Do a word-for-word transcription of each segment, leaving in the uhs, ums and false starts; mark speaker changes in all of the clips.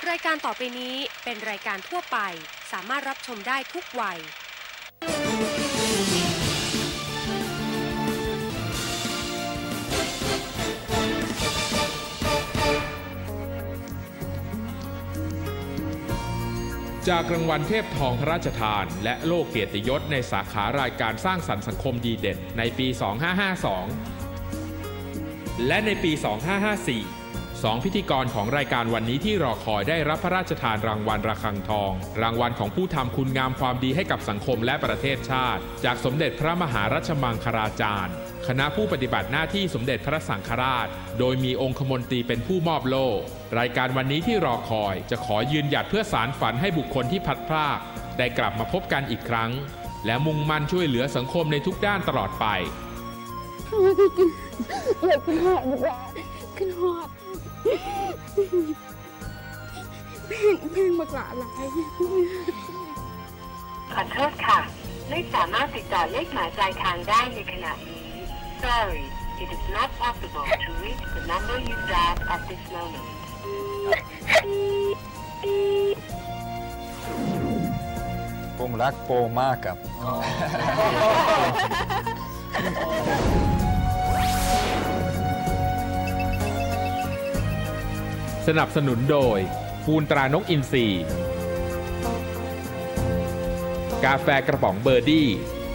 Speaker 1: รายการต่อไปนี้เป็นรายการทั่วไปสามารถรับชมได้ทุกวัย
Speaker 2: จากรางวัลเทพทองพระราชทานและโล่เกียรติยศในสาขารายการสร้างสรรค์สังคมดีเด่นในปี สองพันห้าร้อยห้าสิบสอง และในปี สองพันห้าร้อยห้าสิบสี่ สองพิธีกรของรายการวันนี้ที่รอคอยได้รับพระราชทานรางวัลระฆังทอง รางวัลของผู้ทำคุณงามความดีให้กับสังคมและประเทศชาติจากสมเด็จพระมหารัชมังคลาจารย์คณะผู้ปฏิบัติหน้าที่สมเด็จพระสังฆราชโดยมีองคมนตรีเป็นผู้มอบโล่รายการวันนี้ที่รอคอยจะขอยืนหยัดเพื่อสารฝันให้บุคคลที่พลัดพรากได้กลับมาพบกันอีกครั้งและมุ่งมั่นช่วยเหลือสังคมในทุกด้านตลอดไป
Speaker 3: เลยขึ้นหอดดีกว่าขึ้นหอดเพลงเพลงบักหลาหลาย
Speaker 4: ขอโทษค่ะไม่สามารถติดต่อเลขหมายปลายทางได้ในขณะนี้ Sorry it is not possible to reach the number you dialed at this moment
Speaker 5: ผมรักโปมากครับ
Speaker 2: สนับสนุนโดยปูนตรานกอินทรีกาแฟกระป๋องเบอร์ดี้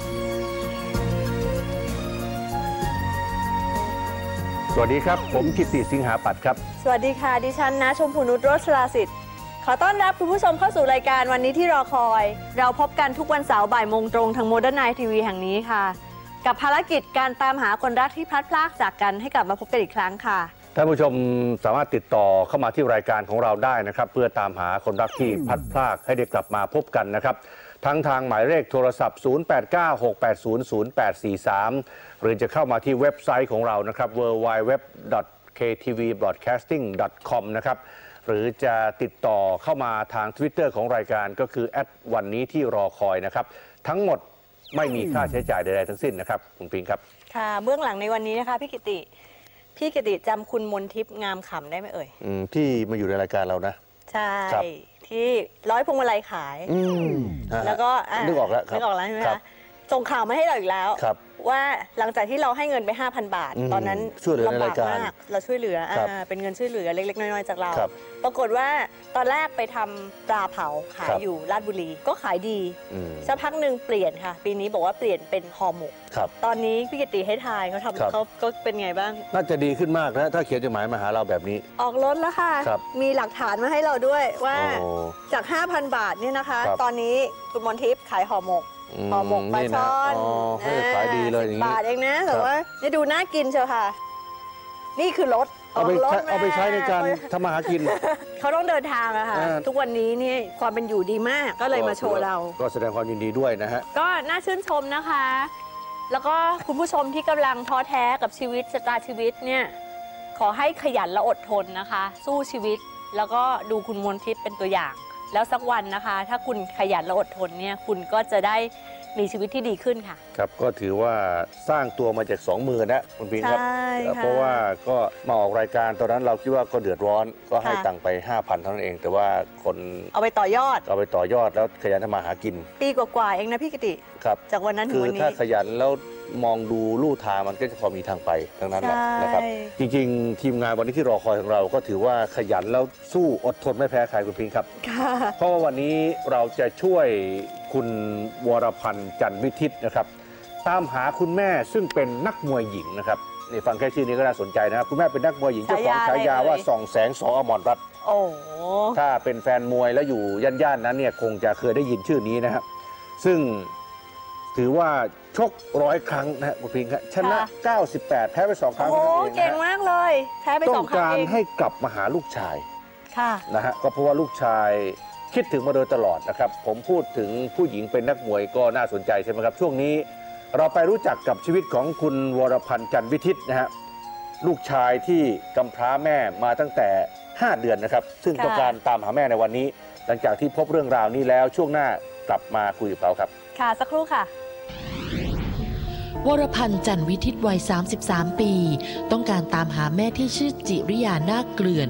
Speaker 6: สวัสดีครับผมกิตติสิงหาปัตย์ครับ
Speaker 7: สวัสดีค่ะดิฉันนะชมพูนุชโรจราสิทธิ์ขอต้อนรับคุณผู้ชมเข้าสู่รายการวันนี้ที่รอคอยเราพบกันทุกวันเสาร์บ่ายโมงตรงทางโมเดิร์นไนท์ทีวีแห่งนี้ค่ะกับภารกิจการตามหาคนรักที่พลัดพรากจากกันให้กลับมาพบกันอีกครั้งค่ะ
Speaker 6: ท่านผู้ชมสามารถติดต่อเข้ามาที่รายการของเราได้นะครับเพื่อตามหาคนรักที่พลัดพรากให้ได้กลับมาพบกันนะครับทั้งทางหมายเลขโทรศัพท์ ศูนย์ แปด เก้า หก แปด ศูนย์ ศูนย์ แปด สี่ สาม หรือจะเข้ามาที่เว็บไซต์ของเรานะครับ ดับเบิลยู ดับเบิลยู ดับเบิลยู ดอท เค ที วี บรอดแคสติ้ง ดอท คอม นะครับหรือจะติดต่อเข้ามาทาง Twitter ของรายการก็คือแอดวันนี้ที่รอคอยนะครับทั้งหมดไม่มีค่าใช้จ่ายใดๆทั้งสิ้นนะครับคุณปิงครับ
Speaker 7: ค่ะเบื้องหลังในวันนี้นะคะพี่กิติพี่กิติจำคุณมนทิพย์งามขำได้ไหมเอ่ย
Speaker 6: อืมที่มาอยู่ในรายการเรานะ
Speaker 7: ใช่ที่ร้อยพวงมาลัยขายแล้วก็
Speaker 6: นึกออกแล้ว
Speaker 7: นึกออกแล้วใช่ไหมคะส่งข่าวมาให้เราอีกแล้วว่าหลังจากที่เราให้เงินไป ห้าพัน บาทตอนนั้นลำบากมากเราช่วยเหลือเป็นเงินช่วยเหลือเล็กๆน้อยๆจากเราปรากฏว่าตอนแรกไปทำปลาเผาขายอยู่ราชบุรีก็ขายดีสักพักหนึ่งเปลี่ยนค่ะปีนี้บอกว่าเปลี่ยนเป็นห่อหมกตอนนี้พี่กิติให้ทายเขาทำเขาก็เป็นไงบ้าง
Speaker 6: น่าจะดีขึ้นมากนะถ้าเขียนจดหมายมาหาเราแบบนี้
Speaker 7: ออกรถแล้วค่ะมีหลักฐานมาให้เราด้วยว่าจาก ห้าพัน บาทเนี่ยนะคะตอนนี้คุณมนทิพย์ขายห่อหมกห่อหมกปลาช่อน
Speaker 6: ขายดีเลยอย่างนี้
Speaker 7: บาทเองนะแต่ว่าจะดูน่ากินเชียวค่ะนี่คือรถ
Speaker 6: เอาไปเอาไปใช้ในการทำมาหากิน
Speaker 7: เขาต้องเดินทางอะค่ะทุกวันนี้นี่ความเป็นอยู่ดีมากก็เลยมาโชว์เรา
Speaker 6: ก็แสดงความยินดีด้วยนะฮะ
Speaker 7: ก็น่าชื่นชมนะคะแล้วก็คุณผู้ชมที่กำลังท้อแท้กับชีวิตชะตาชีวิตเนี่ยขอให้ขยันและอดทนนะคะสู้ชีวิตแล้วก็ดูคุณมนทิพย์เป็นตัวอย่างแล้วสักวันนะคะถ้าคุณขยันและอดทนเนี่ยคุณก็จะได้มีชีวิตที่ดีขึ้นค่ะ
Speaker 6: ครับก็ถือว่าสร้างตัวมาจากสองมือนะคุณพิงครับเพราะว่าก็มาออกรายการตอนนั้นเราคิดว่าก็เดือดร้อนก็ให้ตังค์ไป ห้าพัน เท่านั้นเองแต่ว่าคน
Speaker 7: เอาไปต่อยอด
Speaker 6: เอาไปต่อยอดแล้วขยันทำมาหากิน
Speaker 7: ปีกว่าๆเองนะพี่กิติ
Speaker 6: ครับ
Speaker 7: จากวันนั้นถึงวันนี้
Speaker 6: คือถ้าขยันแล้วมองดูลู่ทางมันก็จะพอมีทางไปทั้งนั้นนะครับจริงๆทีมงานวันนี้ที่รอคอยของเราก็ถือว่าขยันแล้วสู้อดทนไม่แพ้ใครคุณพิงครับเพราะว่าวันนี้เราจะช่วยคุณวรพันธ์จันทร์วิทิตนะครับตามหาคุณแม่ซึ่งเป็นนักมวยหญิงนะครับนี่ฟังแค่ชื่อนี้ก็น่าสนใจนะครับคุณแม่เป็นนักมวยหญิงเจ้าของฉายาว่าส่องแสงสอมรรัตน์
Speaker 7: โอ้
Speaker 6: ถ้าเป็นแฟนมวยแล้วอยู่ย่านๆนั้นเนี่ยคงจะเคยได้ยินชื่อนี้นะครับซึ่งถือว่าชกร้อยครั้งนะคุณพิงครับชนะเก้าสิบแปดแพ้ไปสองครั้ง
Speaker 7: โอ้เก่งมากเลยแพ้ไปสองครั้ง
Speaker 6: ต้องการให้กลับมาหาลูกชาย
Speaker 7: ค่ะ
Speaker 6: นะฮะก็เพราะว่าลูกชายคิดถึงมาโดยตลอดนะครับผมพูดถึงผู้หญิงเป็นนักมวยก็น่าสนใจใช่ไหมครับช่วงนี้เราไปรู้จักกับชีวิตของคุณวรพันธ์จันทร์วิทิตนะฮะลูกชายที่กำพร้าแม่มาตั้งแต่ห้าเดือนนะครับซึ่งต้องการตามหาแม่ในวันนี้หลังจากที่พบเรื่องราวนี้แล้วช่วงหน้ากลับมาคุยกับเขาครับ
Speaker 7: ค่ะสักครู่ค่ะ
Speaker 8: วรพันธ์จันทร์วิทิตวัยสามสิบสามปีต้องการตามหาแม่ที่ชื่อจิริยานาคเกลื่อน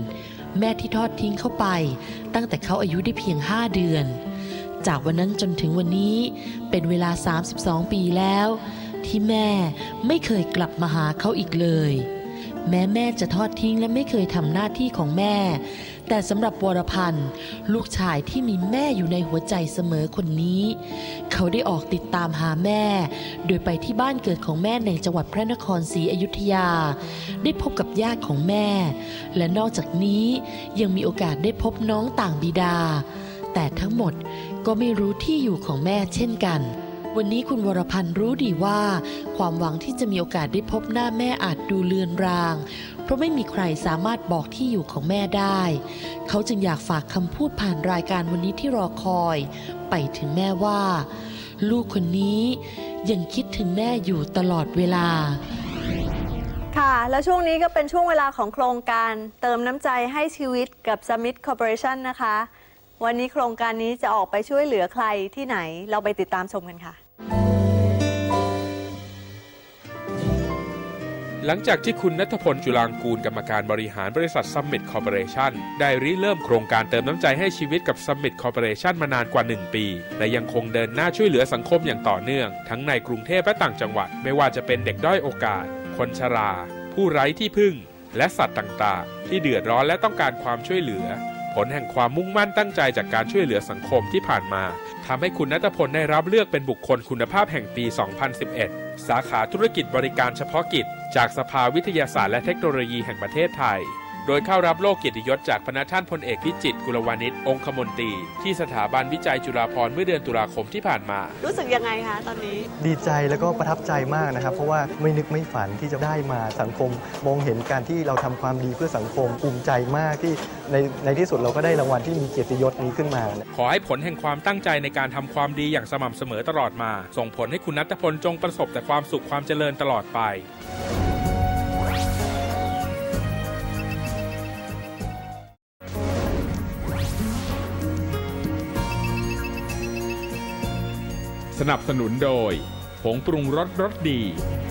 Speaker 8: แม่ที่ทอดทิ้งเขาไปตั้งแต่เขาอายุได้เพียงห้าเดือนจากวันนั้นจนถึงวันนี้เป็นเวลาสามสิบสองปีแล้วที่แม่ไม่เคยกลับมาหาเขาอีกเลยแม้แม่จะทอดทิ้งและไม่เคยทำหน้าที่ของแม่แต่สำหรับวรพันธ์ลูกชายที่มีแม่อยู่ในหัวใจเสมอคนนี้เขาได้ออกติดตามหาแม่โดยไปที่บ้านเกิดของแม่ในจังหวัดพระนครศรีอยุธยาได้พบกับญาติของแม่และนอกจากนี้ยังมีโอกาสได้พบน้องต่างบิดาแต่ทั้งหมดก็ไม่รู้ที่อยู่ของแม่เช่นกันวันนี้คุณวรพันธ์รู้ดีว่าความหวังที่จะมีโอกาสได้พบหน้าแม่อาจดูเลือนรางเพราะไม่มีใครสามารถบอกที่อยู่ของแม่ได้เขาจึงอยากฝากคำพูดผ่านรายการวันนี้ที่รอคอยไปถึงแม่ว่าลูกคนนี้ยังคิดถึงแม่อยู่ตลอดเวลา
Speaker 7: ค่ะแล้วช่วงนี้ก็เป็นช่วงเวลาของโครงการเติมน้ำใจให้ชีวิตกับ Summit Corporation นะคะวันนี้โครงการนี้จะออกไปช่วยเหลือใครที่ไหนเราไปติดตามชมกันค่ะ
Speaker 2: หลังจากที่คุณณัฐพล จุฬางกูลกรรมการบริหารบริษัท Summit Corporation ได้ริเริ่มโครงการเติมน้ำใจให้ชีวิตกับ Summit Corporation มานานกว่าหนึ่งปีและยังคงเดินหน้าช่วยเหลือสังคมอย่างต่อเนื่องทั้งในกรุงเทพและต่างจังหวัดไม่ว่าจะเป็นเด็กด้อยโอกาสคนชรา ผู้ไร้ที่พึ่งและสัตว์ต่างๆที่เดือดร้อนและต้องการความช่วยเหลือผลแห่งความมุ่งมั่นตั้งใจจากการช่วยเหลือสังคมที่ผ่านมาทำให้คุณณัฐพลได้รับเลือกเป็นบุคคลคุณภาพแห่งปี สองพันสิบเอ็ด สาขาธุรกิจบริการเฉพาะกิจจากสภาวิทยาศาสตร์และเทคโนโลยีแห่งประเทศไทยโดยเข้ารับโล่เกียรติยศจากพระท่านพลเอกพิจิตรกุลวานิชองคมนตรีที่สถาบันวิจัยจุฬาภรณ์เมื่อเดือนตุลาคมที่ผ่านมา
Speaker 7: รู้สึกยังไงคะตอนนี้
Speaker 9: ดีใจแล้วก็ประทับใจมากนะครับเพราะว่าไม่นึกไม่ฝันที่จะได้มาสังคมมองเห็นการที่เราทำความดีเพื่อสังคมภูมิใจมากที่ในในที่สุดเราก็ได้รางวัลที่มีเกียรติยศนี้ขึ้นมา
Speaker 2: ขอให้ผลแห่งความตั้งใจในการทำความดีอย่างสม่ำเสมอตลอดมาส่งผลให้คุณณัฐพลจงประสบแต่ความสุขความเจริญตลอดไปสนับสนุนโดยผงปรุงรสรสดี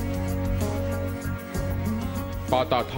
Speaker 2: ปตท.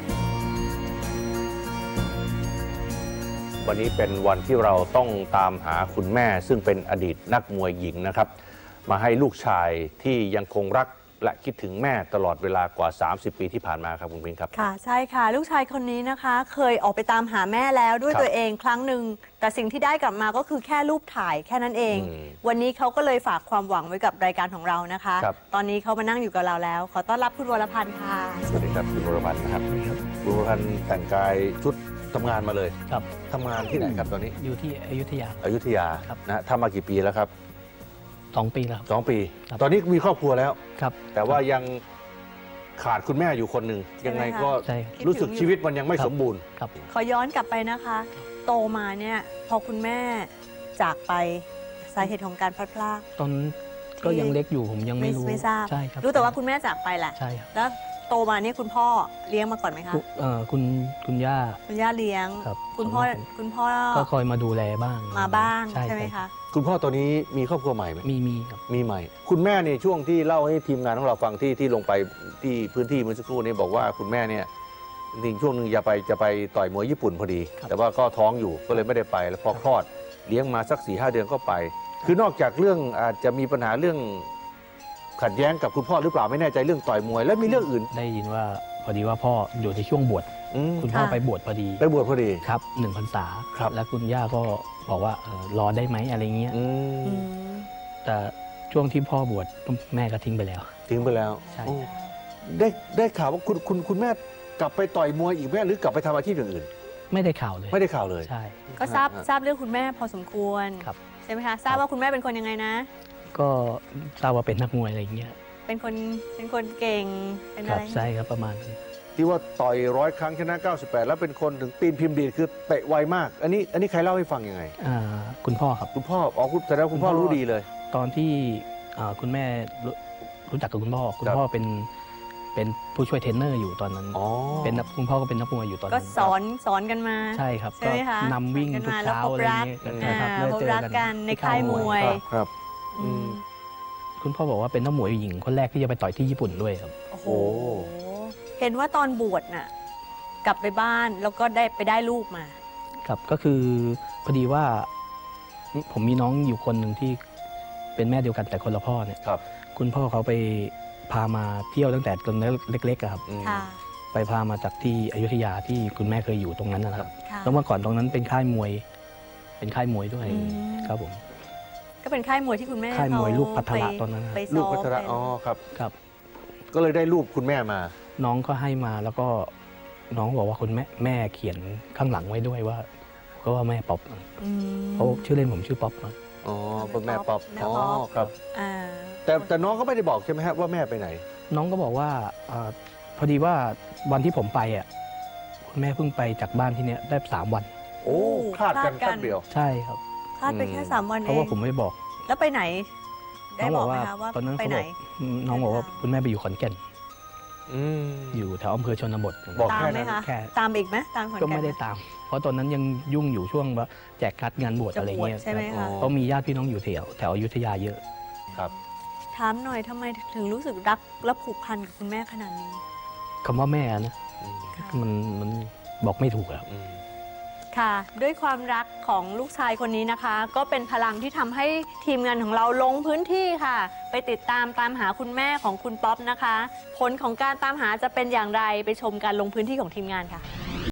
Speaker 6: วันนี้เป็นวันที่เราต้องตามหาคุณแม่ซึ่งเป็นอดีตนักมวยหญิงนะครับมาให้ลูกชายที่ยังคงรักและคิดถึงแม่ตลอดเวลากว่าสามสิบปีที่ผ่านมาครับคุณพิงครับ
Speaker 7: ค่ะใช่ค่ะลูกชายคนนี้นะคะเคยออกไปตามหาแม่แล้วด้วยตัวเองครั้งหนึ่งแต่สิ่งที่ได้กลับมาก็คือแค่รูปถ่ายแค่นั้นเองวันนี้เขาก็เลยฝากความหวังไว้กับรายการของเรานะคะตอนนี้เขามานั่งอยู่กับเราแล้วขอต้อนรับคุณวรพันธ์ค่ะ
Speaker 6: สวัสดีครับคุณวรพันธ์นะครับคุณวรพันธ์แต่งกายชุดทำงานมาเลย
Speaker 10: ครับ
Speaker 6: ทำงานที่ไหนครับตอนนี้
Speaker 10: อยู่ที่อยุธยา
Speaker 6: อยุธยานะทำมากี่ปีแล้วครับ
Speaker 10: สองปีแล้ว
Speaker 6: สองปีตอนนี้มีครอบครัวแล้ว
Speaker 10: ครับ
Speaker 6: แต่ว่ายังขาดคุณแม่อยู่คนหนึ่งยังไงก็รู้สึกชีวิตมันยังไม่สมบูรณ์
Speaker 10: ครับ
Speaker 7: ขอย้อนกลับไปนะคะโตมาเนี่ยพอคุณแม่จากไปสาเหตุของการพลัดพราก
Speaker 10: ตอนก็ยังเล็กอยู่ผมยังไม่รู้
Speaker 7: ไม่ทราบ
Speaker 10: ใช่ครับ
Speaker 7: รู้แต่ว่าคุณแม่จากไปแหละ
Speaker 10: ใช่ครับ
Speaker 7: แล้วโตมาเนี่ยคุณพ่อเลี้ยงมาก่อนไหมคะ
Speaker 10: เอ่อคุณคุณย่า
Speaker 7: คุณย่าเลี้ยง
Speaker 10: ครับ
Speaker 7: คุณพ่อคุณพ่อ
Speaker 10: ก็คอยมาดูแลบ้าง
Speaker 7: มาบ้างใช่ไหมคะ
Speaker 6: คุณพ่อตอนนี้มีครอบครัวใหม่ไหม
Speaker 10: มีมีครับ
Speaker 6: มีใหม่คุณแม่เนี่ยช่วงที่เล่าให้ทีมงานของเราฟังที่ที่ลงไปที่พื้นที่เมื่อสักครู่นี้บอกว่าคุณแม่เนี่ยจริงช่วงหนึ่งจะไปจะไปต่อยมวยญี่ปุ่นพอดีแต่ว่าก็ท้องอยู่ก็เลยไม่ได้ไปแล้วพอคลอดเลี้ยงมาสักสี่ห้าเดือนก็ไปคือนอกจากเรื่องอาจจะมีปัญหาเรื่องขัดแย้งกับคุณพ่อหรือเปล่าไม่แน่ใจเรื่องต่อยมวยแล้วมีเรื่องอื่น
Speaker 10: ได้ยินว่าพอดีว่าพ่ออยู่ในช่วงบวชคุณพ่อไปบวชพอดี
Speaker 6: ไปบวชพอดี
Speaker 10: ครับหนึ่งพรรษาแล้วคุณย่าก็บอกว่ารอได้ไหมอะไรเงี้ยแต่ช่วงที่พ่อบวชแม่ก็ทิ้งไปแล้ว
Speaker 6: ทิ้งไปแล้ว
Speaker 10: ใช่
Speaker 6: ได้ได้ข่าวว่าคุณคุณคุณแม่กลับไปต่อยมวยอีกแม่หรือกลับไปทำอาชีพอย่างอื่น
Speaker 10: ไม่ได้ข่าวเลย
Speaker 6: ไม่ได้ข่าวเลย
Speaker 10: ใช่
Speaker 7: ก็ทราบทราบเรื่องคุณแม่พอสมควร
Speaker 10: ครับ
Speaker 7: ใช่ไหมคะทราบว่าคุณแม่เป็นคนยังไงนะ
Speaker 10: ก็ทราบว่าเป็นนักมวยอะไรอย่างเงี้ย
Speaker 7: เป็นคนเป็นคนเก่งเป็นอะไร
Speaker 10: ใช่ครับประมาณ
Speaker 6: ที่ว่าต่อยร้อยครั้งชนะเก้าสิบแปดแล้วเป็นคนถึงตีนพิมพ์ดีคือเตะไวมากอันนี้อันนี้ใครเล่าให้ฟังยังไง
Speaker 10: อ่าคุณพ่อครับ
Speaker 6: คุณพ่ออ๋อคุณแต่แล้วคุณพ่อรู้ดีเลย
Speaker 10: ตอนที่คุณแม่รู้จักกับคุณพ่อคุณพ่อเป็นเป็นผู้ช่วยเทรนเนอร์อยู่ตอนนั้นเป็นคุณพ่อก็เป็นนักมวยอยู่ตอนนั้น
Speaker 7: ก็สอนสอนกันมา
Speaker 10: ใช่ครับก็นำวิ่งทุกเช้าอะไรอย่างเงี้ย
Speaker 7: นะครับเจอกันในค่ายมวย
Speaker 6: ครับ
Speaker 10: คุณพ่อบอกว่าเป็นนักมวยหญิงคนแรกที่จะไปต่อยที่ญี่ปุ่นด้วยครับ
Speaker 7: โอ้โหเห็นว่าตอนบวชน่ะกลับไปบ้านแล้วก็ได้ไปได้ลูกมา
Speaker 10: ครับก็คือพอดีว่าผมมีน้องอยู่คนหนึ่งที่เป็นแม่เดียวกันแต่คนละพ่อเนี่ย
Speaker 6: ครับ
Speaker 10: คุณพ่อเขาไปพามาเที่ยวตั้งแต่ตอนเล็กๆอะครับ
Speaker 7: ค่ะ
Speaker 10: ไปพามาจากที่อยุธยาที่คุณแม่เคยอยู่ตรงนั้นนะครับ
Speaker 7: ค่ะ
Speaker 10: แล้วเมื่อก่อนตรงนั้นเป็นค่ายมวย เป็นค่ายมวยด้วย
Speaker 7: อืม
Speaker 10: ครับผม
Speaker 7: ก็เป็นค่ายมวยที่คุณแม่
Speaker 10: ค่ายมวย
Speaker 7: เข
Speaker 10: ลูกพัทระ
Speaker 7: ไป
Speaker 10: ตอนนั้นนะ
Speaker 7: ไป
Speaker 6: ลู
Speaker 7: ซ้
Speaker 6: ก
Speaker 7: อม
Speaker 6: พัทระ
Speaker 7: เป็น
Speaker 6: อ๋อครับ
Speaker 10: ครับ
Speaker 6: ก็เลยได้รูปคุณแม่มา
Speaker 10: น้องก็ให้มาแล้วก็น้องบอกว่าคุณแม่แม่เขียนข้างหลังไว้ด้วยว่าก็ว่าแม่ป๊อป
Speaker 7: อืม
Speaker 10: เพราะชื่อเล่นผมชื่อป๊อปนะ
Speaker 6: อ๋อคุณแม่ป๊อป
Speaker 7: แม่
Speaker 6: อ๋อ
Speaker 7: ป๊อป
Speaker 6: ครับ
Speaker 7: อ่า
Speaker 6: แต่แต่น้องก็ไม่ได้บอกใช่ไหมฮะว่าแม่ไปไหน
Speaker 10: น้องก็บอกว่าอาพอดีว่าวันที่ผมไปอ่ะคุณแม่เพิ่งไปจากบ้านที่เนี้ยได้สามวัน
Speaker 6: โอ้คลาดกัน
Speaker 7: คลาดกัน
Speaker 6: แป๊บเดียว
Speaker 10: ใช่ครับ
Speaker 7: คลาดไปแค่สามวัน
Speaker 10: เพ
Speaker 7: เอ
Speaker 10: ราะว่าง ผมไม่ได้บอก
Speaker 7: แล้วไปไหน ได้
Speaker 10: น้อง
Speaker 7: บบ อ
Speaker 10: อก ก
Speaker 7: ไหม
Speaker 10: ว่า
Speaker 7: คะว่า
Speaker 10: ตอนนั้น
Speaker 7: ไป
Speaker 10: เขา
Speaker 7: ไหน
Speaker 10: บอกน้องบอกว่าคุณแม่ไปอยู่ขอนแก่น
Speaker 6: อืม
Speaker 10: อยู่แถวอำเภอชนบท
Speaker 6: บอก
Speaker 7: ตาม
Speaker 6: แค่
Speaker 7: ไหม
Speaker 6: นั้น
Speaker 7: คะ
Speaker 10: แค่
Speaker 7: ตามอีกไหมตามขอนแก่น
Speaker 10: ก็ไม่ได้ตาม เพราะตอนนั้นยังยุ่งอยู่ช่วงว่าแจกคัดงานบวช
Speaker 7: จะ
Speaker 10: อะไร
Speaker 7: บวช
Speaker 10: เงี้ย
Speaker 7: ใช่ไหม
Speaker 10: ครั
Speaker 7: คะ
Speaker 10: บเพราะมีญาติพี่น้องอยู่แถวแถวอยุธยาเยอะ
Speaker 6: ครับ
Speaker 7: ถามหน่อยทำไมถึงรู้สึกรักและผูกพันกับคุณแม่ขนาดนี้
Speaker 10: คำว่าแม่นะ
Speaker 6: อืม
Speaker 10: มันมันบอกไม่ถูกครับ
Speaker 6: อืม
Speaker 7: ค่ะ ด้วยความรักของลูกชายคนนี้นะคะ ก็เป็นพลังที่ทำให้ทีมงานของเราลงพื้นที่ค่ะ ไปติดตามตามหาคุณแม่ของคุณป๊อปนะคะ ผลของการตามหาจะเป็นอย่างไรไปชมการลงพื้นที่ของทีมงานค่ะ